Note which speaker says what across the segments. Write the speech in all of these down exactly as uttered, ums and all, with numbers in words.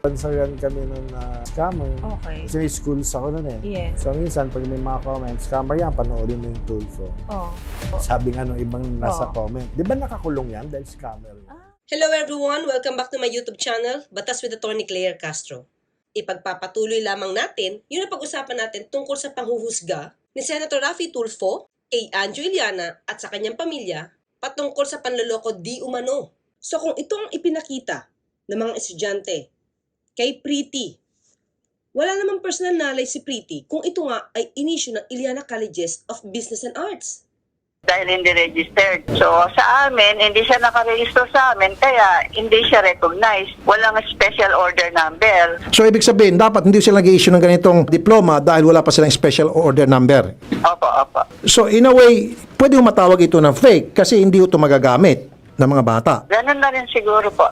Speaker 1: Bansagan kami nun na scammer.
Speaker 2: Okay.
Speaker 1: Kasi may schools ako nun eh.
Speaker 2: Yes.
Speaker 1: So minsan, pag may mga comments, scammer yan, panoorin mo yung Tulfo.
Speaker 2: Oh.
Speaker 1: Sabi nga nung ibang nasa
Speaker 2: Oh.
Speaker 1: comment, di ba nakakulong yan dahil scammer?
Speaker 3: Hello everyone! Welcome back to my YouTube channel, Batas with Attorney Claire Castro. Ipagpapatuloy lamang natin yung napag-usapan natin tungkol sa panghuhusga ni Senator Raffy Tulfo kay Anjo Iliana at sa kanyang pamilya patungkol sa panloloko di umano. So kung ito ang ipinakita ng mga estudyante kay Pretty, wala namang personal knowledge si Pretty kung ito nga ay inisyu ng Iliana Colleges of Business and Arts.
Speaker 4: Dahil hindi registered. So, sa amin, hindi siya nakarehistro sa amin, kaya hindi siya recognized. Walang special order number.
Speaker 5: So, ibig sabihin, dapat hindi sila nag-issue ng ganitong diploma dahil wala pa silang special order number.
Speaker 4: Opo, opo.
Speaker 5: So, in a way, pwede mo matawag ito na fake kasi hindi ito magagamit ng mga bata.
Speaker 4: Ganun na rin siguro po.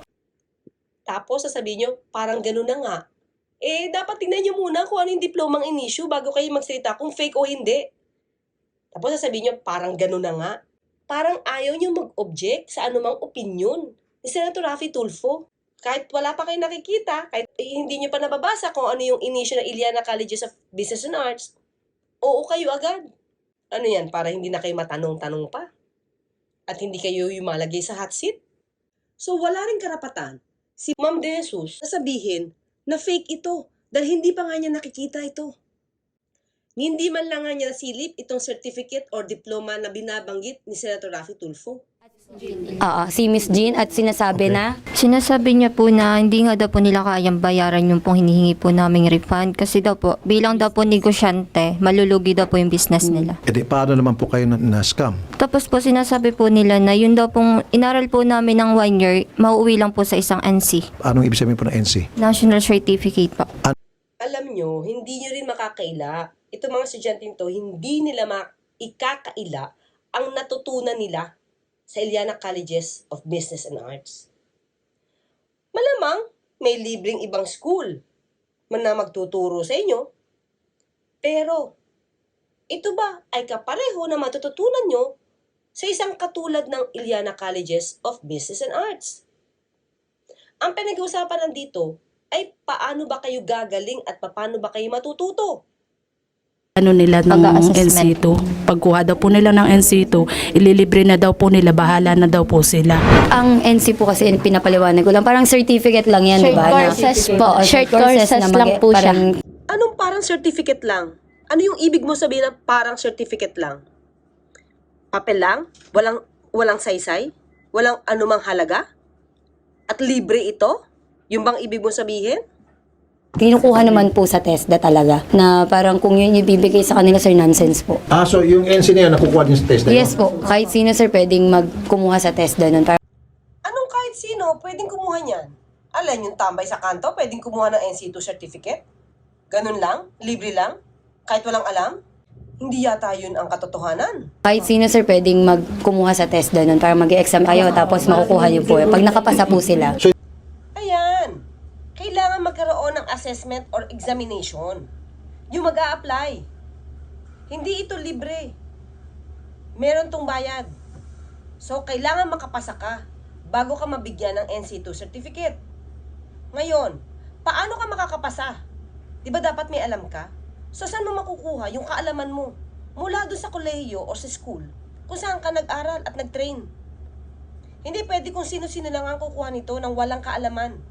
Speaker 3: Tapos sasabihin nyo, parang ganun na nga. Eh, dapat tingnan nyo muna kung ano yung diplomang in-issue bago kayo magsalita kung fake o hindi. Tapos sasabihin nyo, parang ganun na nga. Parang ayaw nyo mag-object sa anumang opinion ni Senator Raffy Tulfo. Kahit wala pa kayo nakikita, kahit eh, hindi nyo pa nababasa kung ano yung in-issue ng Iliana Colleges of Business and Arts, oo kayo agad. Ano yan, para hindi na kayo matanong-tanong pa? At hindi kayo yung malagay sa hot seat? So wala rin karapatan si Ma'am De Jesus na sabihin na fake ito dahil hindi pa nga niya nakikita ito. Hindi man lang nga niya nasilip itong certificate or diploma na binabanggit ni Senator Raffy Tulfo.
Speaker 6: Oo, si Miss Jean at sinasabi
Speaker 5: Okay.
Speaker 6: na
Speaker 7: Sinasabi niya po na hindi nga daw po nila kayang bayaran yung pong hinihingi po naming refund kasi daw po, bilang daw po negosyante, malulugi daw po yung business nila.
Speaker 5: E di, paano naman po kayo na, na scam?
Speaker 7: Tapos po sinasabi po nila na yun daw pong inaral po namin ng one year, mauuwi lang po sa isang N C,
Speaker 5: Anong ibig sabihin po ng N C?
Speaker 7: National Certificate po.
Speaker 3: Alam nyo, hindi nyo rin makakaila. Itong mga estudyante to, hindi nila maikakaila ang natutunan nila sa Iliana Colleges of Business and Arts. Malamang may libreng ibang school man na magtuturo sa inyo. Pero, ito ba ay kapareho na matututunan nyo sa isang katulad ng Iliana Colleges of Business and Arts? Ang pinag-uusapan nandito ay paano ba kayo gagaling at paano ba kayo matututo?
Speaker 8: Ano nila ng
Speaker 7: Pag-a-assessment.
Speaker 8: N C two. Pagkuha daw po nila ng N C two, ililibre na daw po nila, bahala na daw po sila.
Speaker 6: ang N C po kasi pinapaliwanag ko lang. Parang certificate lang yan, di
Speaker 9: Short
Speaker 6: ba? Na-
Speaker 9: courses po.
Speaker 6: Oo,
Speaker 9: Short courses
Speaker 6: na
Speaker 9: lang
Speaker 6: mag-
Speaker 9: po siya.
Speaker 6: parang
Speaker 3: Anong parang certificate lang? Ano yung ibig mo sabihin na parang certificate lang? Papel lang? Walang, walang saysay? Walang anumang halaga? At libre ito? Yung bang ibig mo sabihin?
Speaker 6: kinukuha naman po sa TESDA talaga. Na parang kung yun ibibigay sa kanila, sir, nonsense po.
Speaker 5: Ah, so yung N C na yan, nakukuha din sa test na yun?
Speaker 6: Yes po, kahit sino, sir, pwedeng magkumuha sa TESDA nun. Parang
Speaker 3: Anong kahit sino pwedeng kumuha niyan? Alam yung tambay sa kanto, pwedeng kumuha ng N C two certificate? Ganun lang? Libre lang? Kahit walang alam? Hindi yata yun ang katotohanan.
Speaker 6: kahit sino, sir, pwedeng magkumuha sa TESDA nun. Para mag-exam kayo, tapos makukuha niyo po. Pag nakapasa po sila.
Speaker 3: Ayan. Kailangan magkaroon ng assessment or examination. Yung mag a-apply. Hindi ito libre. Meron tong bayad. So, kailangan makapasa ka bago ka mabigyan ng N C two certificate. Ngayon, paano ka makakapasa? Di ba dapat may alam ka? So, saan mo makukuha yung kaalaman mo? Mula doon sa kolehiyo o sa school kung saan ka nag-aral at nag-train. Hindi pwede kung sino-sino lang ang kukuha nito ng walang kaalaman.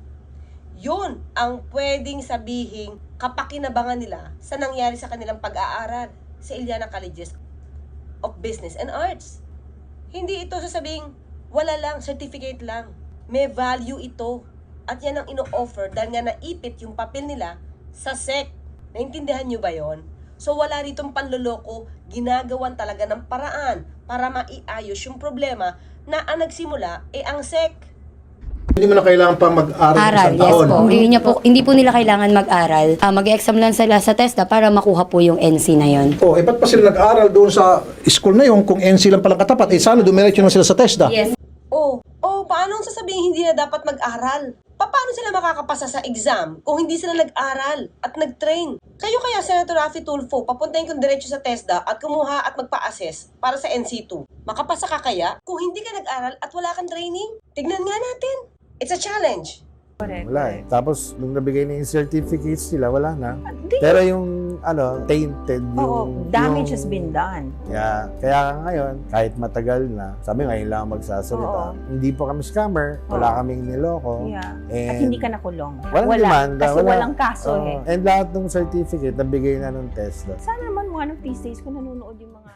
Speaker 3: Yun ang pwedeng sabihin kapakinabangan nila sa nangyari sa kanilang pag-aaral sa Iliana Colleges of Business and Arts. Hindi ito sasabing wala lang, certificate lang. May value ito. At yan ang ino-offer dahil nga naipit yung papel nila sa S E C. Naintindihan nyo ba yon? So wala ritong panloloko, ginagawan talaga ng paraan para maiayos yung problema na ang nagsimula ay ang S E C.
Speaker 5: Hindi mo na kailangan pang mag-aral ng
Speaker 6: Aral,
Speaker 5: isang
Speaker 6: yes
Speaker 5: taon.
Speaker 6: po. Hindi, niya po. hindi po nila kailangan mag-aral. Ah, mag-exam lang sila sa TESDA para makuha po yung N C na yon.
Speaker 5: Oh, eh ba't pa sila nag-aral doon sa school na yun kung N C lang palang katapat? Eh sana dumiretso na sila sa TESDA.
Speaker 6: Yes.
Speaker 3: Oh, oh, paano sasabihin hindi na dapat mag-aral? Pa- Paano sila makakapasa sa exam kung hindi sila nag-aral at nag-train? Kayo kaya, Senator Raffy Tulfo, papuntahin kong diretso sa TESDA at kumuha at magpa-assess para sa N C two. Makapasa ka kaya kung hindi ka nag-aral at wala kang training? Tignan nga natin. It's a challenge.
Speaker 2: Correct.
Speaker 1: Wala eh. Tapos, nung nabigay na yung certificates nila, wala na.
Speaker 2: Hindi.
Speaker 1: Pero yung, ano, tainted yung...
Speaker 2: Oo, damage
Speaker 1: yung,
Speaker 2: has been done.
Speaker 1: Yeah. Kaya ngayon, kahit matagal na, sabi ngayon lang ako magsasalita.
Speaker 2: Oo.
Speaker 1: Hindi po kami scammer, wala
Speaker 2: Oo.
Speaker 1: kaming niloko.
Speaker 2: Yeah.
Speaker 1: And
Speaker 2: At hindi ka nakulong.
Speaker 1: walang
Speaker 2: Wala.
Speaker 1: demanda.
Speaker 2: Kasi
Speaker 1: wala.
Speaker 2: walang kaso
Speaker 1: Oo.
Speaker 2: eh.
Speaker 1: And lahat ng certificate, nabigay na ng TESDA.
Speaker 2: Sana naman one of these days kung nanonood yung mga